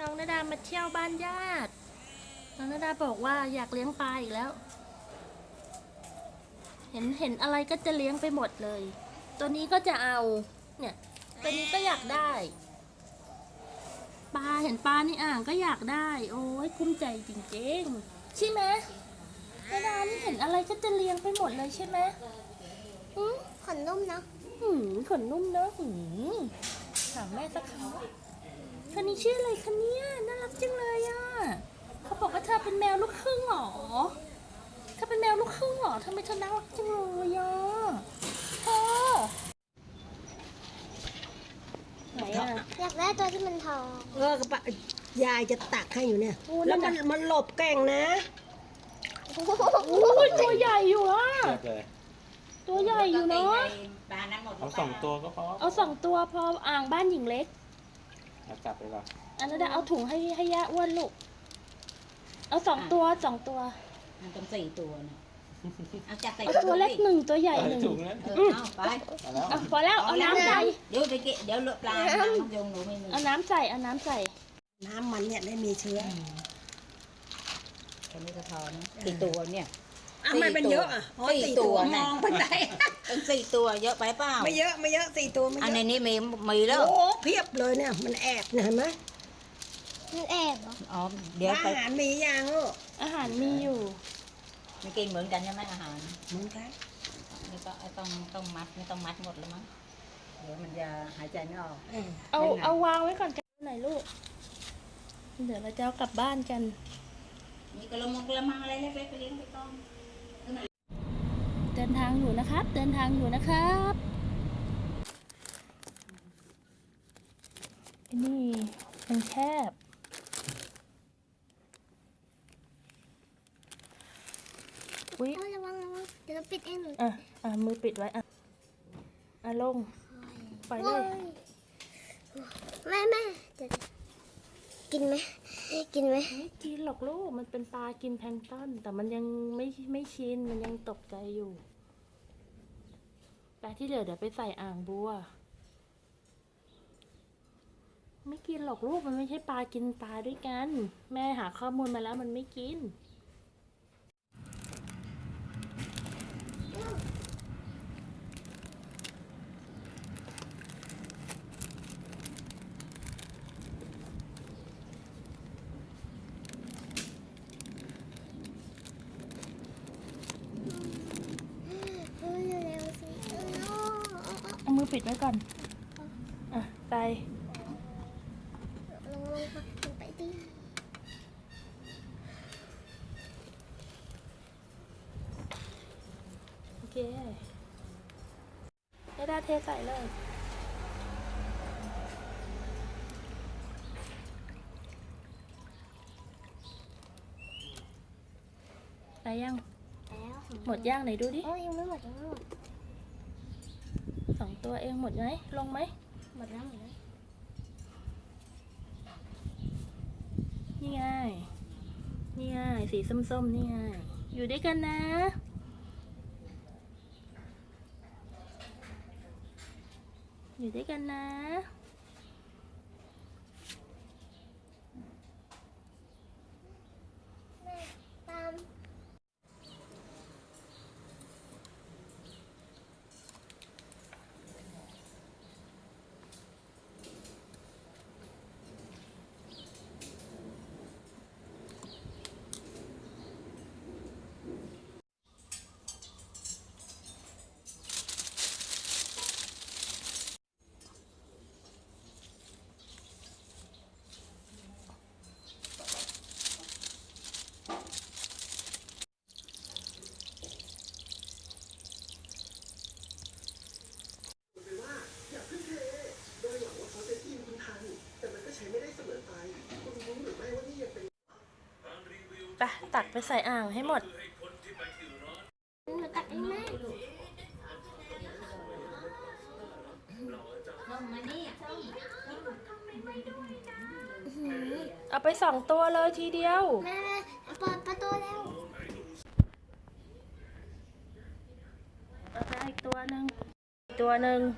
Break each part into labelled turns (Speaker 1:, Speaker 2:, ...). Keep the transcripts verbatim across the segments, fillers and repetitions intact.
Speaker 1: น้องนาดามาเที่ยวบ้านญาติน้องนาดาบอกว่าอยากเลี้ยงปลาอีกแล้ว เห็นเห็นอะไรก็จะเลี้ยงไปหมดเลย ตัวนี้ก็จะเอา เนี่ย ตัวนี้ก็อยากได้ ปลาเห็นปลาในอ่างก็อยากได้ โอ้ยคุ้มใจจริงๆใช่ไหมนาดานี่เห็นอะไรก็จะเลี้ยงไปหมดเลยใช่ไหมอืม
Speaker 2: ขนนุ่มเนาะ
Speaker 1: หืมขนนุ่มเนอะหืมถามแม่สักคำคนนี้ชื่ออะไรคะเนี่ยน่ารักจังเลยอ่ะเขาบอกว่าเธอเป็นแมวลูกครึ่งเหรอเธอเป็นแมวลูกครึ่งเหรอทำไมเธอน่ารักจังเลยอ่ะเธอไหนอ่ะ
Speaker 2: อยากได้ตัวที่มันทอง
Speaker 3: เออกระปะยายจะตักให้อยู่เนี่ย
Speaker 1: โอ้
Speaker 3: แล้ว
Speaker 1: นั่
Speaker 3: มัน
Speaker 1: นน่ะ
Speaker 3: มันหลบแก่งนะ
Speaker 1: โอ้ยตัวใหญ่อยู่อ่ะ
Speaker 4: เทียบเลย
Speaker 1: ตัวใหญ่อยู่เนาะ
Speaker 4: เอาสองตัวก็พอ
Speaker 1: เอาสองตัวพออ่างบ้านหญิงเล็ก
Speaker 4: เอาจับไปก่อน
Speaker 1: อันนั้นเอาถุงให้ให้ย่าอ้วนลูกเอาสองตัวสองตัว
Speaker 5: มันต้องสี่ตัวนะเอาจับใส่
Speaker 1: เอาตัวเล็กหนึ่งตัวใหญ่หนึ่ง
Speaker 4: ถุงนั้น
Speaker 5: เออเอาไป
Speaker 4: มาแล้ว
Speaker 1: อ่ะพอแล้วเอาน้ำใส่
Speaker 5: เดี๋ยวไปเกะเดี๋ยวเลอะปลาน้ำยงหนูไม่มี
Speaker 1: เอาน้ำใส่เอาน้ำใส่
Speaker 3: น้ำมันเนี่ยไม่มีเชื้อ
Speaker 5: ตัวนี้ก็พอนะสี่ตัวเนี่ย
Speaker 3: อ่ะทำไมเป็นเยอะอ่ะอ๋อ
Speaker 5: สี่
Speaker 3: สี่
Speaker 5: ตั
Speaker 3: ตัว ว
Speaker 5: นะ
Speaker 3: มองไปไหน
Speaker 5: ต้องสี่ตัวเยอะไปเปล่า
Speaker 3: ไม่เยอะไม่เยอะสี่ตัวไม่
Speaker 5: อัน
Speaker 3: เย
Speaker 5: ใน
Speaker 3: อะ
Speaker 5: นี้มีมีแล้ว
Speaker 3: โอ้เพียบเลยเนี่ยมันแอบเนี่ยเห็นไหม
Speaker 2: มันแอบเหรอ
Speaker 5: อ๋อเดี๋ยว
Speaker 3: อา
Speaker 5: ไป
Speaker 3: หารมีอย่างลูก
Speaker 1: อาหารมีอยู่
Speaker 5: ไม่กินเหมือนกันใช่ไหมอาหาร
Speaker 3: เหมือนกัน
Speaker 5: นี่ก็ต้องต้องมัดไม่ต้องมัดหมดแล้วมั้งเดี๋ยวมันจะหายใจไม่ออก
Speaker 3: เออ
Speaker 1: เอา
Speaker 5: เป็นไง
Speaker 1: เอาวางไว้ก่อนกันไหนลูก เดี๋ยวเราจะเอากลับบ้านกัน
Speaker 5: มีกระมังกระมังอะไรเล็กๆไปเลี้ยงไปต้อม
Speaker 1: เดินทางอยู่นะครับ เดินทางอยู่นะครับไอ้นี่มันแคบอุ๊ย
Speaker 2: เอาระวังระวังเดี๋ยวเราปิดเองหนู
Speaker 1: อ่ะอ่ะมือปิดไว้อ่ะอ่ะลงไปเลย
Speaker 2: แม่แม่เดี๋ยวกินไหมกินไหม
Speaker 1: ไม่กินหรอกลูก มันเป็นปลากินแพลงก์ต้น แต่มันยังไม่ไม่ชิน มันยังตกใจอยู่ปลาที่เหลือเดี๋ยวไปใส่อ่างบัว ไม่กินหรอกลูก มันไม่ใช่ปลากินปลาด้วยกัน แม่หาข้อมูลมาแล้วมันไม่กิน
Speaker 2: เร็วเร็วสิเออ
Speaker 1: เอามือปิดไว้ก่อน อ่ะไป
Speaker 2: ลงลงค่ะลงไปดิ
Speaker 1: โอเคให้ดาเทใส่เลย ไปยัง
Speaker 2: แล้ว
Speaker 1: หมดย่างไหนดูดิ
Speaker 2: โอ้ยยังไม่หมดยังไม่หมด
Speaker 1: สองตัวเองหมดไหมลงไหม
Speaker 2: หมดแล้วหมดแล้ว
Speaker 1: นี่ไง นี่ไง สีส้มๆ นี่ไง อยู่ด้วยกันนะ อยู่ด้วยกันนะ
Speaker 2: แม่ตาม
Speaker 1: ไปตักไปใส่อ่างให้หมด
Speaker 2: หนูตักเองแม่
Speaker 1: เอาไปสองตัวเลยทีเดียว
Speaker 2: แม่แม่เปิดประตูแล้ว
Speaker 1: เอาไปอีกตัวหนึ่งอีกตัวหนึ่ง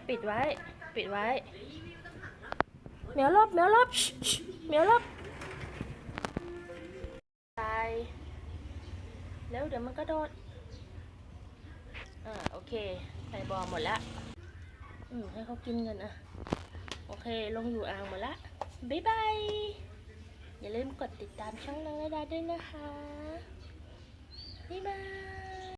Speaker 1: ปิดไว้ ปิดไว้เหมียวลบเหมียวลบชิชิเหมียวลบตายแล้วเดี๋ยวมันก็โดดอ่าโอเคใส่บอหมดละอืมให้เขากินกันอ่ะโอเคลงอยู่อ่างหมดละบ๊ายบายอย่าลืมกดติดตามช่องน้องระดาด้วยนะคะบ๊ายบาย